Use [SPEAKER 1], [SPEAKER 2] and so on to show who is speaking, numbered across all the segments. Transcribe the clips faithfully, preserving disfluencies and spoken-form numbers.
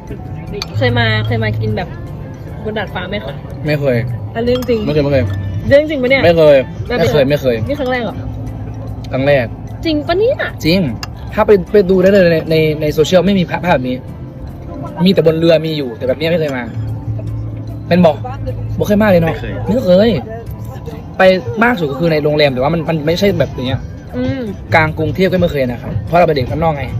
[SPEAKER 1] เคยมาเคยมากินแบบบนดาดฟ้าไหมคะ
[SPEAKER 2] ไม่เคย
[SPEAKER 1] อันเรื่องจริง
[SPEAKER 2] ไม่เคยไม่เคย
[SPEAKER 1] เรื่องจริงปะเนี่ย
[SPEAKER 2] ไม่เคยไม่เคยไม่เคย
[SPEAKER 1] นี่ครั้งแรกเหรอ
[SPEAKER 2] ครั้งแรก
[SPEAKER 1] จริงปะเนี่ย
[SPEAKER 2] จริง ถ้าไปไปดูได้เลยในในในโซเชียลไม่มีภาพแบบนี้ มีแต่บนเรือมีอยู่แต่แบบนี้ไม่เคยมา เป็นบอกบอกเคยมากเลยเนาะไม่เคย ไปมากสุดก็คือในโรงแรมแต่ว่ามันมันไม่ใช่แบบอย่างเงี้ย
[SPEAKER 1] อืม
[SPEAKER 2] กลางกรุงเทพก็ไม่เคยนะครับเพราะเราเป็นเด็กข้างนอกไง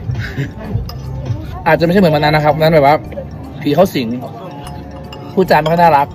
[SPEAKER 2] อาจจะไม่ใช่เหมือนวันนั้นนะครับนั้นแบบว่าผีเข้าสิงพูดจาไม่ค่อยน่ารัก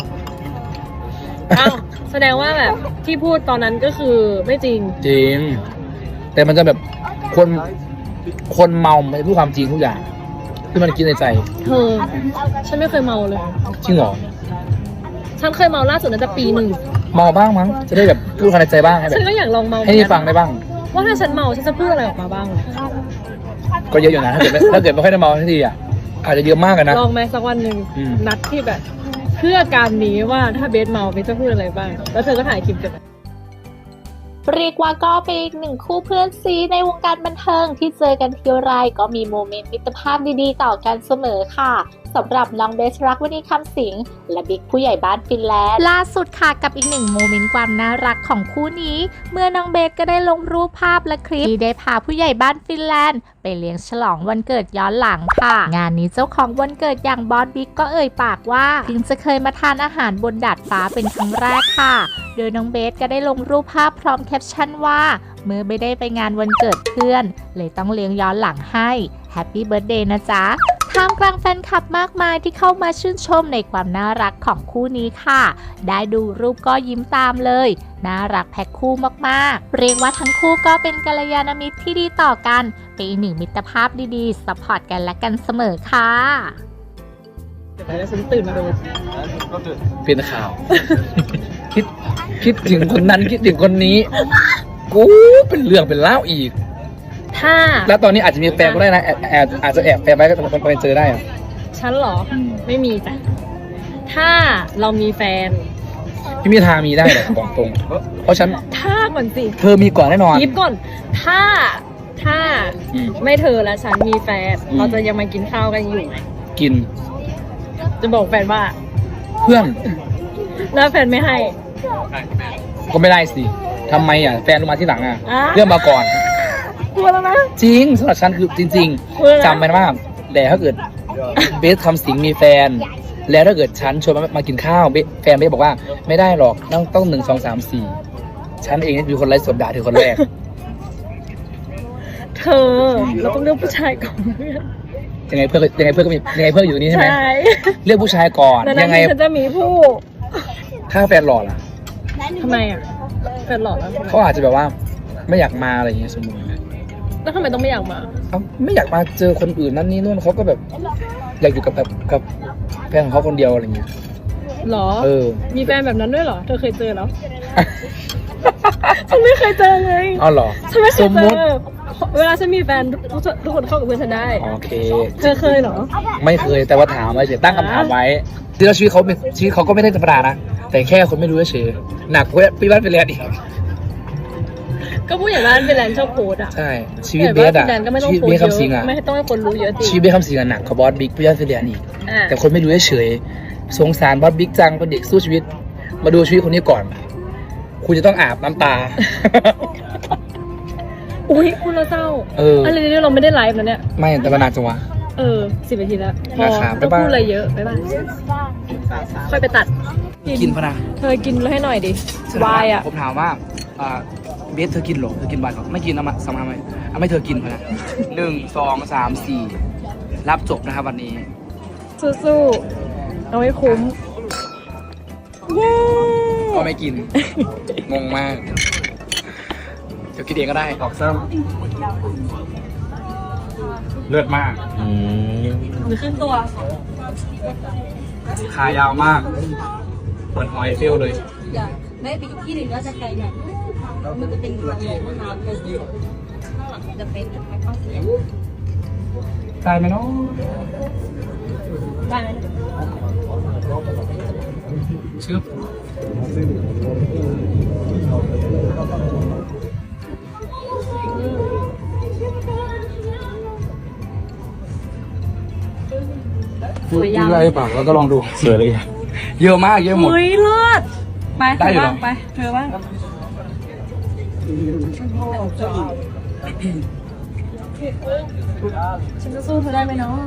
[SPEAKER 1] อ้าวแสดงว่าแบบที่พูดตอนนั้นก็คือไม่จริง
[SPEAKER 2] จริง แต่มันจะแบบคนคนเมาไม่พูดความจริงทุกอย่างที่มันคิดในใจ
[SPEAKER 1] เธอ ฉันไม่เคยเมาเลย
[SPEAKER 2] จริงเหรอ
[SPEAKER 1] ฉันเคยเมาล่าสุดน่าจะปีหนึ่ง
[SPEAKER 2] เมาบ้างมั้งจะได้แบบพูดความในใจบ้างให้แบ
[SPEAKER 1] ฉั
[SPEAKER 2] บ
[SPEAKER 1] นก็อยากลองเมา
[SPEAKER 2] ให้ได้ฟังได้บ้าง
[SPEAKER 1] ว่าถ้าฉันเมาฉันจะพูดอะไรออกมาบ้าง
[SPEAKER 2] ก็เยอะอยู่นะถ้าเกิดไม่ถ้าเกิดไม่ค่อยได้เมาทันทีอ่ะอาจจะเยอะมากกันนะ
[SPEAKER 1] ลองไหมสักวันหนึ่ง
[SPEAKER 2] อืม
[SPEAKER 1] นัดที่แบบ เพื่อการนี้ว่าถ้าเบสเมาเบสจะพูดอะไรบ้าง แล้วเธอก็ถ่ายคลิปกัน
[SPEAKER 3] เรียกว่าก็เป็นอีกหนึ่งคู่เพื่อนซีในวงการบันเทิงที่เจอกันทีไรก็มีโมเมนต์มิตรภาพดีๆต่อกันเสมอค่ะสำหรับน้องเบสรักวณีคำสิงห์และบิ๊กผู้ใหญ่บ้านฟินแลนด์ล่าสุดค่ะกับอีกหนึ่งโมเมนต์ความน่ารักของคู่นี้ เมื่อน้องเบสก็ได้ลงรูปภาพและคลิปที่ได้พาผู้ใหญ่บ้านฟินแลนด์ไปเลี้ยงฉลองวันเกิดย้อนหลังค่ะงานนี้เจ้าของวันเกิดอย่างบอสบิ๊กก็เอ่ยปากว่าเพิ่งจะเคยมาทานอาหารบนดาดฟ้าเป็นครั้งแรกค่ะโดยน้องเบสก็ได้ลงรูปภาพพร้อมแคปชั่นว่าเมื่อไม่ได้ไปงานวันเกิดเพื่อนเลยต้องเลี้ยงย้อนหลังให้แฮปปี้เบิร์ธเดย์นะจ๊ะท่ามกลางแฟนคลับมากมายที่เข้ามาชื่นชมในความน่ารักของคู่นี้ค่ะได้ดูรูปก็ยิ้มตามเลยน่ารักแพ็คคู่มากๆเรียกว่าทั้งคู่ก็เป็นกัลยาณมิตรที่ดีต่อกันเป็นอีกหนึ่งมิตรภาพดีๆซัพพอร์ตกันและกันเสมอค่ะ
[SPEAKER 1] แล้วฉันตื่นมาดู
[SPEAKER 2] เป็นข่าว คิดคิดถึงคนนั้นคิดถึงคนนี้ กูเป็นเรื่องเป็นเล่าวอีก
[SPEAKER 1] ถ้า
[SPEAKER 2] แล้วตอนนี้อาจจะมีแฟนก็ได้นะแอบแอบอาจจะแอบแฟนไว้ก็ไปเจอได้อะ
[SPEAKER 1] ฉันเหรอ ไม่มีจ้ะ ถ้าเรามีแฟน
[SPEAKER 2] พี่มีทางมีได้หรอกบอกตรง เพราะฉัน
[SPEAKER 1] ถ้าก่อนสิ
[SPEAKER 2] เธอมีก่อนแน่นอน
[SPEAKER 1] ยิบก่อน ถ้า ถ้า
[SPEAKER 2] อืม
[SPEAKER 1] ไม่เธอและฉันมีแฟน
[SPEAKER 2] อืม
[SPEAKER 1] เราจะยังมากินข้าวกันอยู่ไหม
[SPEAKER 2] กิน
[SPEAKER 1] จะบอกแฟนว่า
[SPEAKER 2] เพื่อน
[SPEAKER 1] แล้วแฟนไม่ให้
[SPEAKER 2] ก็ไม่ได้สิทำไมอ่ะแฟนลงมาที่หลังอ่ะ
[SPEAKER 1] อ่ะ
[SPEAKER 2] เรื่องมาก่อน
[SPEAKER 1] กลัวแล้วนะ
[SPEAKER 2] จริงสำหรับฉันคือจริง
[SPEAKER 1] เพื่อน
[SPEAKER 2] ๆจำไว้นะว่าแต่ถ้าเกิดเบสทำสิงมีแฟน แล้วถ้าเกิดฉันชวนมามากินข้าวเบสแฟนเบสบอกว่าไม่ได้หรอกต้องต้องหนึ่งสองสามสี่ฉันเองนี่เป็นคนไร้สดด่าเธอคนแรก
[SPEAKER 1] เธอ เราต้องเลือกผู้ชายก่อนเพื่อน
[SPEAKER 2] ยังไงเพื่อนก็ยังไงเพื่อนก็มียังไงเพื่อนอยู่ตรงนี้ใช่ไหม
[SPEAKER 1] ใช่
[SPEAKER 2] เลือกผู้ชายก่อน
[SPEAKER 1] แล้ว
[SPEAKER 2] ยั
[SPEAKER 1] นั้น
[SPEAKER 2] งไง
[SPEAKER 1] ฉันจะมีผู้
[SPEAKER 2] ถ้าแฟนหล่อล่ะ
[SPEAKER 1] ทำไมอ่ะแฟนหล่อแล้วทำไม
[SPEAKER 2] เขาอาจจะแบบว่าไม่อยากมาอะไรอย่างเงี้ยสมมติ
[SPEAKER 1] แล้วทำไมต้องไม่อยากมา
[SPEAKER 2] เขาไม่อยากมาเจอคนอื่นนั่นนี่นู่นเขาก็แบบอยากอยู่กับแบบกับแฟนของเขาคนเดียวอะไรเงี้ย
[SPEAKER 1] หรอ
[SPEAKER 2] เออ
[SPEAKER 1] มีแฟนแบบนั้นด้วยเหรอ เธอเคยเจอเหรอ ฉันไม่เคยเจอเลย
[SPEAKER 2] อ๋อเหรอ
[SPEAKER 1] ฉันไม่เค
[SPEAKER 2] ส
[SPEAKER 1] ย
[SPEAKER 2] ม
[SPEAKER 1] เจ
[SPEAKER 2] มติ
[SPEAKER 1] อ เวลาฉันมีแฟนทุกทุกคนเข้ากับเพื่อนฉันได้
[SPEAKER 2] โอเค
[SPEAKER 1] เธอเคยเหรอ
[SPEAKER 2] ไม่เคยแต่ว่าถามไว้เฉยตั้งคำถามไว้ที่เราชีวิตเขาเป็นชีวิตเขาก็ไม่ได้ธรรมดานะแต่แค่คนไม่รู้เฉยหนักกว่าพี่บ้านไปเรียนอีก
[SPEAKER 1] ก็ผู้ใหญ่บ้านเป็นแลนด์ชอบโพสอะ
[SPEAKER 2] ใช่ชีวิตเบสอะ
[SPEAKER 1] แลนด์ก็ไม่ต้อง
[SPEAKER 2] ชีวิต
[SPEAKER 1] โพส
[SPEAKER 2] เบส
[SPEAKER 1] เย
[SPEAKER 2] คำสิง
[SPEAKER 1] อะ
[SPEAKER 2] อะ
[SPEAKER 1] ไม่ต้องให้คนรู้เยอะจริง
[SPEAKER 2] ชีวิตเบสคำสิงอะหนักกว่าบอสบิ๊กพี่บ้านไปเรียนอีก
[SPEAKER 1] อ่ะ
[SPEAKER 2] แต่คนไม่รู้เฉยสงสารบอสบิ๊กจังเป็นเด็กสู้ชีวิต มาดูชีวิตคนนี้ก่อน คุณจะต้องอาบน้ำตา
[SPEAKER 1] อุ้ยคุณเราเศร้า
[SPEAKER 2] เอออ
[SPEAKER 1] อะไรเนี่ยเราไม่ได้ไลฟ์นะเนี่ย
[SPEAKER 2] ไม่แต่มานานจังวะ
[SPEAKER 1] เออสิบนาทีแล้ว พอ
[SPEAKER 2] นะครับ
[SPEAKER 1] ต้อง
[SPEAKER 2] บ๊ายบาย
[SPEAKER 1] พูดอะไรเยอะบ๊ายบายค่อยไปตัด
[SPEAKER 2] กินพะนะ
[SPEAKER 1] เธอกินให้หน่อยดิวายอ่ะ
[SPEAKER 2] ผมถามว่าอ่าเบสเธอกินเหรอเธอกินวายเหรอไม่กินเอามาสมาไหมเอาไม่เธอกินพะนะหนึ่งสองสามสี่รับจบนะครับวันนี้
[SPEAKER 1] สู้ๆเอาให้คุ้ม เย้
[SPEAKER 2] ก็ไม่กิน งงมาก เดี๋ยวกินเองก็ได้ออกซ้ำเลือดมาก
[SPEAKER 1] หรือขึ้นตัว
[SPEAKER 2] ขายาวมากเหมือนหอยเฟลเลย
[SPEAKER 4] ไม่ไปอีกที่หนึ่งก็จะไกลหน่อยมันจะเป็นทางลงน้ำเป็นจะเป็นทางเข้าเสียง
[SPEAKER 2] ตายไหมเนาะ
[SPEAKER 1] ได้ไหม
[SPEAKER 2] ชึบ
[SPEAKER 1] สวยยัง
[SPEAKER 2] อะไรเปล่าเราก็ลองดู
[SPEAKER 5] สวยเลย
[SPEAKER 2] เยอะมากเยอะหมด
[SPEAKER 1] เฮ้ยเลิศไป
[SPEAKER 2] ได้
[SPEAKER 1] เธอ
[SPEAKER 2] อยู่เหรอ
[SPEAKER 1] บ้างไปเธอบ้างฉันจะสู้เธอได้ไหมน้อง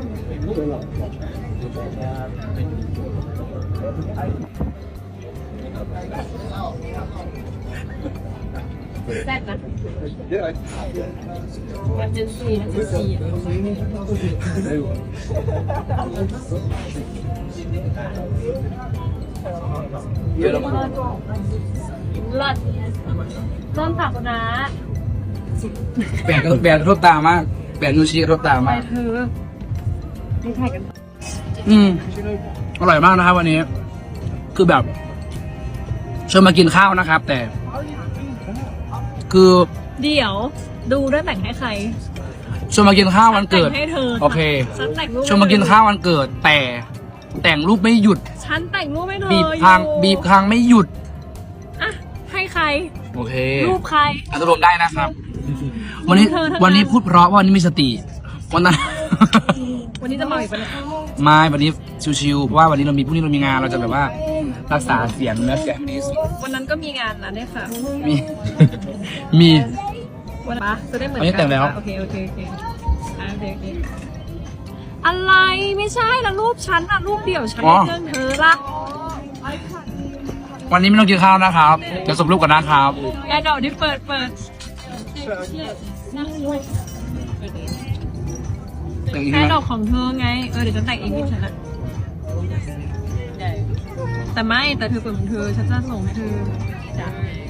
[SPEAKER 1] แซ่บนะมันเจนซีนะเจนซีอะเลิศเริ่มผักนะ
[SPEAKER 2] แปดก็แปดกระทบตามากแปดนูชิกระทบตา
[SPEAKER 1] ไป
[SPEAKER 2] มาก
[SPEAKER 1] เธอนี่ถ่ายกัน
[SPEAKER 2] อืมอร่อยมากนะครับวันนี้ คือแบบชวนมากินข้าวนะครับ แต่ คือ
[SPEAKER 1] เดี๋ยวดูด้วยแต่งให้ใคร
[SPEAKER 2] ชวนมากินข้าววันเกิด
[SPEAKER 1] แต่งให้เธอ
[SPEAKER 2] โอเค
[SPEAKER 1] ฉันแต่งรูป
[SPEAKER 2] ชวนมากินข้าววันเกิด แต่แต่งรูปไม่หยุด
[SPEAKER 1] ฉันแต่งรูปให้เธอ
[SPEAKER 2] บีบคาง
[SPEAKER 1] อยู่
[SPEAKER 2] บีบคางไม่หยุด
[SPEAKER 1] อ่ะให้ใคร
[SPEAKER 2] โอเค
[SPEAKER 1] รูปใคร
[SPEAKER 2] อารมณ์ได้นะครับ วันนี้
[SPEAKER 1] เธอเท่านั้น
[SPEAKER 2] วันนี้พูดเพราะว่าวันนี้มีสติวันนั้น
[SPEAKER 1] วันนี้จะมาอีกปะเนี่ย
[SPEAKER 2] ไม่วันนี้ชิวๆเพราะว่าวันนี้เรามีพรุ่งนี้เรามีงานเราจะแบบว่ารักษาเสียงเนื้อเสียงให้ดีที่สุด
[SPEAKER 1] วันนั้นก็มีงานนะเนี่ยค่ะ
[SPEAKER 2] มี มี
[SPEAKER 1] วันปะจะได้เหมือน
[SPEAKER 2] วันนี้
[SPEAKER 1] กั
[SPEAKER 2] แต่งแล้ว
[SPEAKER 1] โอเคโอเคโอเคอ่ะโอเคโอเคอะไรไม่ใช่ละรูปฉันอะรูปเดี่ยวฉันในเครื่องเธอละ
[SPEAKER 2] วันนี้ไม่ต้องกินข้าวนะครับเดี๋ยวส่งรูปกันนะครับ
[SPEAKER 1] แอร์ดอกที่เปิดเปิด
[SPEAKER 2] อย่างนี้
[SPEAKER 1] แอ
[SPEAKER 2] ใช่ไห
[SPEAKER 1] ร์
[SPEAKER 2] ม
[SPEAKER 1] ดอกของเธอไงเออเดี๋ยวฉันแต่งเองที่ฉันอะแต่ไม่แต่เธอเปิดของเธอฉันจะส่งให้เธอจ้ะ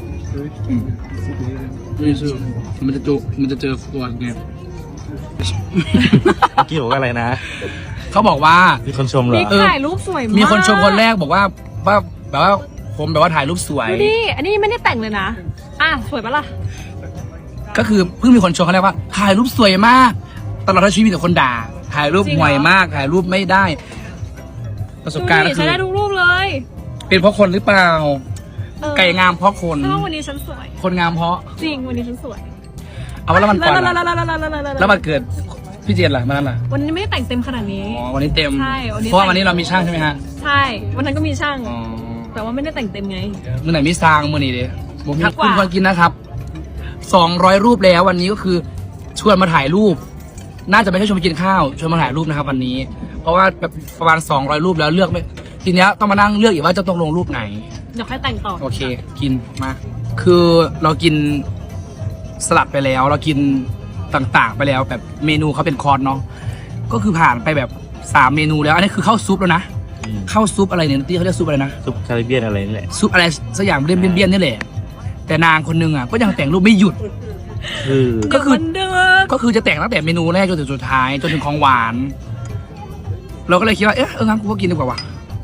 [SPEAKER 2] ไม่ซื้อมันจะเจอมันจะเจอฟวนไง
[SPEAKER 5] เมื่อกี้บอกว่าอะไรนะ
[SPEAKER 2] เขาบอกว่า
[SPEAKER 5] มีคนชมเหรอ
[SPEAKER 1] นี่ถ่ายรูปสวยมาก
[SPEAKER 2] มีคนชมคนแรกบอกว่าว่าแบบว่าผมแบบว่าถ่ายรูปสวย
[SPEAKER 1] ดูดิอันนี้ไม่ได้แต่งเลยนะอ่ะสวยปะล่ะ
[SPEAKER 2] ก็คือเพิ่งมีคนชมเขาแรกว่าถ่ายรูปสวยมาก ตลอดทั้งชีวิตมีแต่คนด่า ถ่ายรูปห่วยมาก ถ่ายรูปไม่ได้ ประสบการณ์
[SPEAKER 1] ดู
[SPEAKER 2] ก็
[SPEAKER 1] ดิ
[SPEAKER 2] คื
[SPEAKER 1] ฉัน
[SPEAKER 2] อ
[SPEAKER 1] ได้ทุกรูปเลย
[SPEAKER 2] เป็นเพราะคนหรือเปล่า
[SPEAKER 1] เออ
[SPEAKER 2] ไก่งามเพราะคน
[SPEAKER 1] ถ้าวันนี้ฉันสวย
[SPEAKER 2] คนงามเพราะ
[SPEAKER 1] จริงวันนี้ฉันสวย
[SPEAKER 2] เอาว่าแล้วมันก่อน
[SPEAKER 1] แล้ว
[SPEAKER 2] ล่ะ
[SPEAKER 1] แล้วแล้วแล้วแล้วแล้ว
[SPEAKER 2] แล้วมันเกิดพี่เจนล่ะมันนั่นล่ะ
[SPEAKER 1] วันนี้ไม่ได้แต่งเต็มขนาดนี้
[SPEAKER 2] อ๋อวันนี้เต็ม
[SPEAKER 1] ใช่วันนี้
[SPEAKER 2] เพราะว่าวันนี้เรามีช่างใช่ไหมฮะ
[SPEAKER 1] ใช่ วันนั้นก็มีช่าง
[SPEAKER 2] อ๋อ
[SPEAKER 1] แต่ว่าไม่ได้แต่งเต็มไง
[SPEAKER 2] มื่อไหนมีซางมื่อนี้เด้ผมมี
[SPEAKER 1] ทัก
[SPEAKER 2] คุณ
[SPEAKER 1] ว่า
[SPEAKER 2] ควรกินนะครับสองร้อยรูปแล้ววันนี้ก็คือชวนมาถ่ายรูป น่าจะไม่ใช่ชวนมากินข้าวชวนมาถ่ายรูปนะครับวันนี้ เพราะว่าแบบประมาณสองร้อยรูปแล้วเลือกไม่ทีเนี้ยต้องมานั่งเลือกอีกว่าจะต้องลงรูปไหน
[SPEAKER 1] เดี๋ยวค่อยแต่งต่อ
[SPEAKER 2] โอเค กินมา คือเรากินสลัดไปแล้ว เรากินต่างๆ ไปแล้วแบบเมนูเขาเป็นคอร์สเนาะก็คือผ่านไปแบบสามเมนูแล้วอันนี้คือข้าวซุปแล้วนะ
[SPEAKER 5] อืม
[SPEAKER 2] ข้าวซุปอะไรเนี่ยที่เขาเรียกซุปอะไรนะ
[SPEAKER 5] ซุปคาริเบียนอะไรนี่แหละ
[SPEAKER 2] ซุปอะไรสักอย่างเบี้ยนเบี้ยนๆนี่แหละแต่นางคนนึงอ่ะก็ยังแต่งรูปไม่หยุด
[SPEAKER 5] คือ
[SPEAKER 2] ก็คือ
[SPEAKER 1] เดี๋ยวมันเดือด
[SPEAKER 2] ก็คือจะแต่งตั้งแต่เมนูแรกจนถึงสุดท้ายจนถึงของหวาน เราก็เลยคิดว่าเอ๊ะเอองั้นกูก็กินดีกว่าว่ะ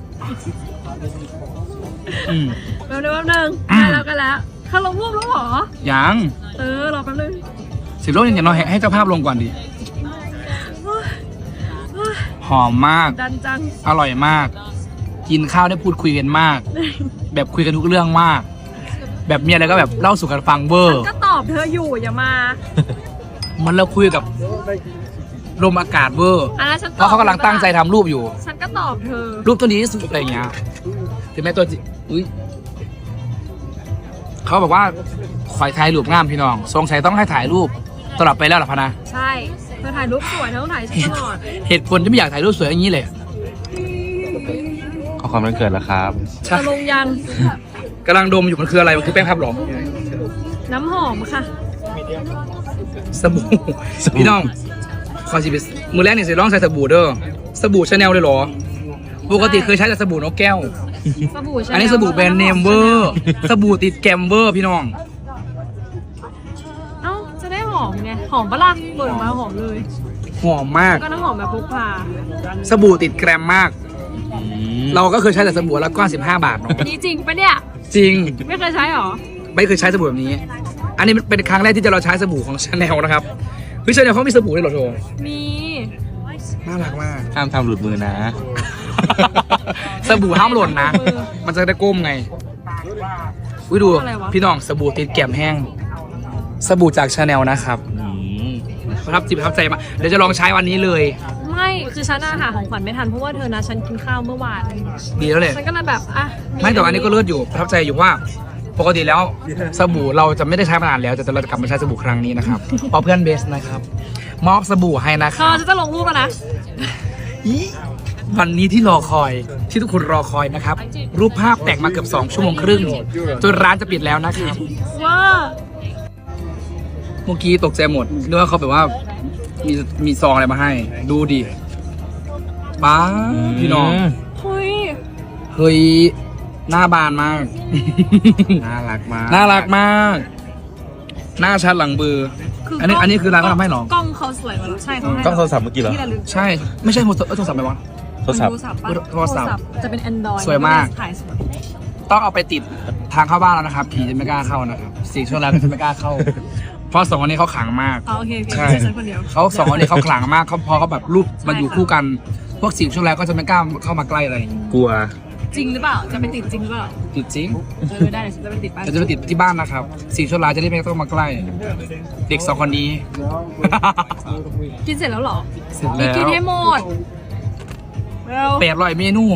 [SPEAKER 2] อืม
[SPEAKER 1] แป๊บนึงแป๊บนึง
[SPEAKER 2] อืม
[SPEAKER 1] ได้แล้วกันแล้วเขาลงรูปแล้วเหรอ
[SPEAKER 2] ยัง
[SPEAKER 1] เออรอแป๊บนึง
[SPEAKER 2] สิบโลเนี่ยเราให้เจ้าภาพลงก่อนดิ
[SPEAKER 1] โอ๊ยโอ๊ย
[SPEAKER 2] หอมมาก
[SPEAKER 1] ดันจัง
[SPEAKER 2] อร่อยมาก กินข้าวได้พูดคุยกันมาก แบบคุยกันทุกเรื่องมาก แบบมีอะไรก็แบบเล่าสู่กันฟังเวอร์
[SPEAKER 1] ก็ตอบเธออยู่อย่ามา
[SPEAKER 2] มันเราคุยกับลมอากาศเวอร์
[SPEAKER 1] อันนั้นฉันต
[SPEAKER 2] เพ
[SPEAKER 1] อบ
[SPEAKER 2] ราะเขากำลังตั้งใจทำรูปอยู่
[SPEAKER 1] ฉันก็ตอบเธอ
[SPEAKER 2] รูปตัวนี้ที่สุดอะไรอย่างเงี้ยถึงแม้ตัวจริงอุ้ยเขาบอกว่าขอยถ่ายรูปงามพี่น้องทรงชัยต้องให้ถ่ายรูปตลอดไปแล้วหรอพะนะ
[SPEAKER 1] ใช่เธอถ่ายรูปสวยเธอต้องถ่ายฉันตลอด
[SPEAKER 2] เหตุผลที่ไม่อยากถ่ายรูปสวยอย่างนี้เลย
[SPEAKER 5] ขอความวันเกิดแล้วครับ
[SPEAKER 2] ใช่
[SPEAKER 1] จะลงยัง
[SPEAKER 2] กำลังดมอยู่มันคืออะไรมันคือแป้งพับหรอ
[SPEAKER 1] น้ำหอมค่ะ
[SPEAKER 2] สบู่พี่น้องขอสิบมือแรกนี่สิลองใส่สบู่เด้อสบู่ชาแนลเลยเหรอปกติเคยใช้แต่สบู่นกแก้ว
[SPEAKER 1] สบู่ใช่
[SPEAKER 2] อันนี้สบู่แบรนด์เนมเวอร์สบู่ติดแกมเวอร์พี่น้อง
[SPEAKER 1] เอ้าจะได้หอมไงหอมปะล่ะเปิดออกมาหอมเลย
[SPEAKER 2] หอมมาก
[SPEAKER 1] ก็น้ำหอมแบบพกพา
[SPEAKER 2] สบู่ติดแกรมมาก
[SPEAKER 5] อืม
[SPEAKER 2] เราก็เคยใช้แต่สบู่ละก้อนสิบห้าบาทเนาะ
[SPEAKER 1] นี่จริงปะเนี่ย
[SPEAKER 2] จริง
[SPEAKER 1] ไม่เคยใช้หรอ
[SPEAKER 2] ไม่เคยใช้สบู่แบบนี้ อันนี้เป็นครั้งแรกที่จะเราใช้สบู่ของชาแนลนะครับเฮ้ยชาแนลเขามีสบู่ด้วยเหรอโท
[SPEAKER 1] มี
[SPEAKER 2] น่ารักมาก
[SPEAKER 5] ห้ามทำหลุดมือนะ
[SPEAKER 2] สบู่ห้ามหล่นนะ มันจะได้ก้มไงวิดูพี่น้องสบู่ติดแก้มแห้ง สบู่จากชาแนลนะครับ
[SPEAKER 5] อืม
[SPEAKER 2] ประทับจิตประทับใจมากเดี๋ยวจะลองใช้วันนี้เลย
[SPEAKER 1] ไม่ไม่คือฉันอาหาของขวัญไม่ทันเพราะว่าเธอนะฉันกินข้าวเมื่อวาน
[SPEAKER 2] ดีแล้วเลย
[SPEAKER 1] ฉันก็เลยแบบอ่ะ
[SPEAKER 2] ไม่แต่ว่าอันนี้ก็เลิศอยู่ประทับใจอยู่ว่าปกติแล้วสบู่เราจะไม่ได้ใช้มานานแล้วแต่เราจะกลับมาใช้สบู่ครั้งนี้นะครับเพราะเพื่อนเบสนะครับมอบสบู่ให้นะค
[SPEAKER 1] เธ
[SPEAKER 2] รั
[SPEAKER 1] อบ จะจะลงรูปแล้วนะ
[SPEAKER 2] อีวันนี้ที่รอคอยที่ทุกคนรอคอยนะครับ รูปภาพแต่งมาเกือบสองชั่วโมงครึ่งจนร้านจะปิดแล้วนะครับ
[SPEAKER 1] ว่า
[SPEAKER 2] เมื่อกี้ตกใจหมดนึกว่าเขาแบบว่ามีมีซองอะไรมาให้ ดูดิป้าพี่น้อง
[SPEAKER 1] เฮ้ย
[SPEAKER 2] เฮ้ยหน้าบานมาก
[SPEAKER 5] น่ารักมาก
[SPEAKER 2] น่ารักมาก หน้าชัดหลังเบือ
[SPEAKER 1] คือ
[SPEAKER 2] อันนี้อันนี้คือร้านเขาทำให้เหรอ
[SPEAKER 1] กล้องเขาสวยกว่าใช่เขาให้
[SPEAKER 5] กล้องโทรศัพท์เมื่อกี้เหรอ
[SPEAKER 1] ที่ระลึก
[SPEAKER 2] ใช่ไม่ใช่โทรศัพท์เอ้ยโทรศัพท์ไหมวะ
[SPEAKER 5] โทรศัพท์
[SPEAKER 1] ปะ
[SPEAKER 2] โทรศัพท์
[SPEAKER 1] จะเป็น Android
[SPEAKER 2] สวยมาก
[SPEAKER 1] ถ่ายสวย
[SPEAKER 2] ต้องเอาไปติดทางเข้าบ้านแล้วนะครับผีจะไม่กล้าเข้านะครับสี่ช่วงแรกก็จะไม่กล้าเข้า เพราะสองคนนี้เขาขลังมาก
[SPEAKER 1] อ๋อโอเคโอเค
[SPEAKER 2] ใช่
[SPEAKER 1] ฉันคนเดียว
[SPEAKER 2] เขาสองคนนี้เขาขลังมากเขาพอเขาแบบรูปมาอยู่คู่กัน พวกสี่ช่วงแรกก็จะไม่กล้าเข้ามาใกล้อะไรอย่างงี้
[SPEAKER 5] กลัว
[SPEAKER 1] จริงหรือเปล่าจะไปติดจริงหรือเปล่า
[SPEAKER 2] ติดจริง
[SPEAKER 1] เออได้เดี๋ยวฉันจะไปติดบ้าน
[SPEAKER 2] แต่จะไปติดที่บ้านนะครับสี่ช่วงแรกจะได้ไม่ต้องมาใกล้ เด็กสองคนนี้
[SPEAKER 1] กินเสร็จแล้วเหรอ
[SPEAKER 2] เสร็จ
[SPEAKER 1] นี่
[SPEAKER 2] แล้ว
[SPEAKER 1] กินให้หมดเร็ว
[SPEAKER 2] แปดร้อยเมนู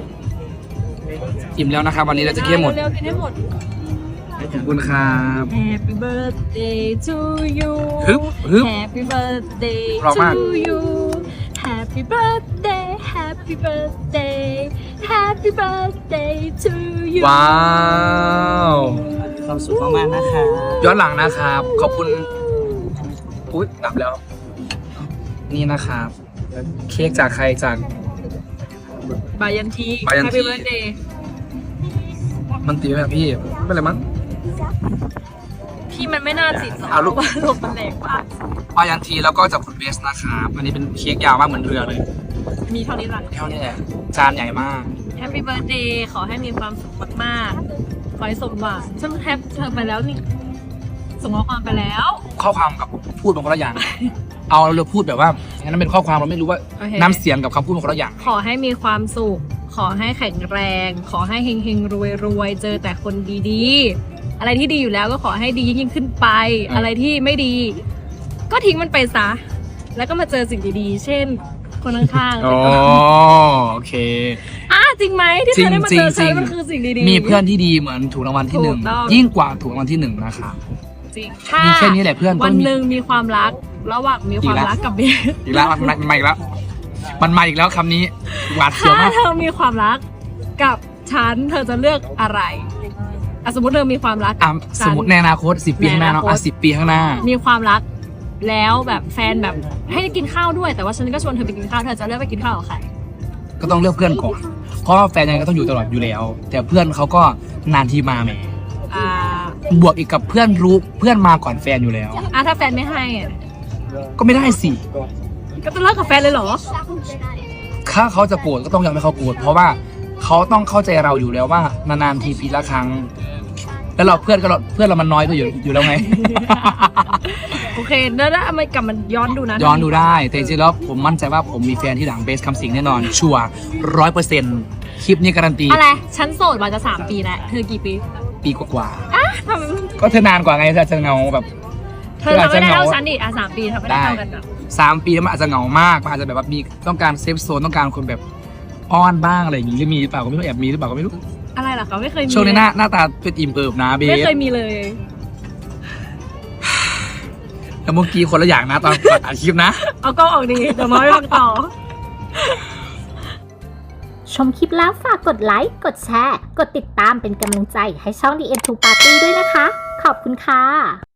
[SPEAKER 2] อิ่มแล้วนะครับ วันนี้เราจะเคี่ยวหมด
[SPEAKER 1] เร็วๆกินให้หมด
[SPEAKER 2] ขอบคุณครับ
[SPEAKER 1] Happy birthday to you
[SPEAKER 2] ฮึบฮึบ
[SPEAKER 1] Happy birthday
[SPEAKER 2] เพราะมาก
[SPEAKER 1] to you Happy birthday Happy birthday Happy birthday to you
[SPEAKER 2] ว้าว
[SPEAKER 6] ความสุขมากๆนะคะ
[SPEAKER 2] ย้อนหลังนะครับ ขอบคุณอุ๊ยดับแล้ว นี่นะครับ เค้กจากใครจาก
[SPEAKER 1] บายันที
[SPEAKER 2] บายันที
[SPEAKER 1] Happy birthday
[SPEAKER 2] มันตีแบบพี่ไม่เป็นไรมั้ง
[SPEAKER 1] พี่มันไม่น่าติดหรอก
[SPEAKER 2] เอาลูก
[SPEAKER 1] ว่าลมมันแรงมาก
[SPEAKER 2] ปายันทีแล้วก็จากคุณเบสนะครับอันนี้เป็นเค้กยาวมากเหมือนเรือเลย
[SPEAKER 1] มีเท่านี้หลัง
[SPEAKER 2] เท่านี้แหละจานใหญ่มาก
[SPEAKER 1] Happy birthday ขอให้มีความสุขมากๆ ขอให้สมหวังฉันแทบเธอไปแล้วนี่ ส่งข้อความไปแล้ว
[SPEAKER 2] ข้อความกับพูดเป็นคนละอย่าง เอาเราพูดแบบว่างั้นเป็นข้อความเราไม่รู้ว่า
[SPEAKER 1] โอเค
[SPEAKER 2] น้ำเสียงกับคำพูดเป็นคนละอย่าง
[SPEAKER 1] ขอให้มีความสุข ขอให้แข็งแรง ขอให้เฮงเฮงรวยรวยๆ เจอแต่คนดีๆ อะไรที่ดีอยู่แล้วก็ขอให้ดียิ่งขึ้นไป อะไรที่ไม่ดี ก็ทิ้งมันไปซะ แล้วก็มาเจอสิ่งดีๆ เช่น คนข้างๆ
[SPEAKER 2] อ๋อโอเค
[SPEAKER 1] อ่ะจริงไหมที่เธอได้มาเจอ
[SPEAKER 2] จริ
[SPEAKER 1] ฉัน
[SPEAKER 2] งๆ
[SPEAKER 1] มันคือสิ่งดีๆ
[SPEAKER 2] มีเพื่อนที่ดีเหมือนถูกรางวัลที่หนึ่ง
[SPEAKER 1] ถูกต้อง
[SPEAKER 2] ยิ่งกว่าถูกรางวัลที่หนึ่งนะครับ
[SPEAKER 1] จริงถ้า
[SPEAKER 2] มีแค่นี้แหละเพื่อนก็
[SPEAKER 1] วัน
[SPEAKER 2] มี
[SPEAKER 1] หนึ่งมีความรัก ระหว่างมีความรักกับเบส
[SPEAKER 2] อีกแล้วมันมาอีกแล้ว มันมาอีกแล้วคำนี้หวาดเสียว
[SPEAKER 1] ถ้าม
[SPEAKER 2] าก
[SPEAKER 1] เธอมีความรักกับฉันเธอจะเลือกอะไรอ่ะสมมติเธอมีความรัก
[SPEAKER 2] อ่ะ
[SPEAKER 1] กับ
[SPEAKER 2] ส
[SPEAKER 1] ฉั
[SPEAKER 2] ม
[SPEAKER 1] น
[SPEAKER 2] มติในอนาคตสิบปีข้างหน้าเนาะ
[SPEAKER 1] ในอนาคต
[SPEAKER 2] อ่ะสิบปีข้างหน้า
[SPEAKER 1] มีความรักแล้วแบบแฟนแบบให้กินข้าวด้วยแต่ว่าฉันก็ชวนเธอไปกินข้าวเธอจะเลือกไปกินข้าวกับใคร
[SPEAKER 2] ก็ต้องเลือกเพื่อนก่อน เพราะว่าแฟนยังไงก็ต้องอยู่ตลอดอยู่แล้ว แต่เพื่อนเขาก็นานทีมาแหม
[SPEAKER 1] อ่า
[SPEAKER 2] บวกอีกกับเพื่อนรู้เพื่อนมาก่อนแฟนอยู่แล้ว
[SPEAKER 1] อ่ะถ้าแฟนไม่ให้อ่ะ
[SPEAKER 2] ก็ไม่ได้สิ
[SPEAKER 1] ก็จะเลิกกับแฟนเลยเหรอ
[SPEAKER 2] ถ้าเขาจะโกรธก็ต้องยอมให้เขาโกรธเพราะว่าเขาต้องเข้าใจเราอยู่แล้วว่านานๆทีปีละครั้ง แล้วเราเพื่อนก็เราเพื่อนเรามันน้อยก็อยู่อยู่แล้วไง
[SPEAKER 1] โอเคแล้วถ้าเอามากลับมันย้อนดูนะ
[SPEAKER 2] ย้อนดูได้แต่จริงๆแล้วผมมั่นใจว่าผมมีแฟนที่หลังเบสคำสิงแน่นอน ชัวร้อยเปอร์เซ็นต์คลิปนี้การันตี
[SPEAKER 1] อะไรฉันโสดมาจะสามปีแล้วเธอกี่ปี
[SPEAKER 2] ปีกว่า
[SPEAKER 1] ทำไม
[SPEAKER 2] ๆก็เธอนานกว่าไงเธอจะเงาแบบ
[SPEAKER 1] เธอทำไม่ได้เท่าฉันดิอ่ะสามปีทำไม่ได้เท่ากันอ่ะ
[SPEAKER 2] สามปีแล้วมันอาจจะเหงามากมันอาจจะแบบว่ามีต้องการเซฟโซนต้องการคนแบบอ้อนบ้างอะไรอย่างงี้หรือมีหรือเปล่าก็ไม่รู้แอบมีหรือเปล่าก็ไม่รู้
[SPEAKER 1] อะไรเหรอคะไม่เคยมี
[SPEAKER 2] ช่วงนี้หน้าหน้าตาเป็นอิ่มเอิบนะเบ
[SPEAKER 1] ไม่
[SPEAKER 2] ส
[SPEAKER 1] เคยมีเลย
[SPEAKER 2] แล้วเมื่อกี้คนละอย่างนะตอนก่อนอัดคลิปนะ
[SPEAKER 1] เอากล้องออกดีเดี๋ยวมาไม่ฟังต่อ
[SPEAKER 3] ชมคลิปแล้วฝากกดไลค์ กดแชร์ กดติดตามเป็นกำลังใจให้ช่อง ดี เอ็น ทู Party ด้วยนะคะ ขอบคุณค่ะ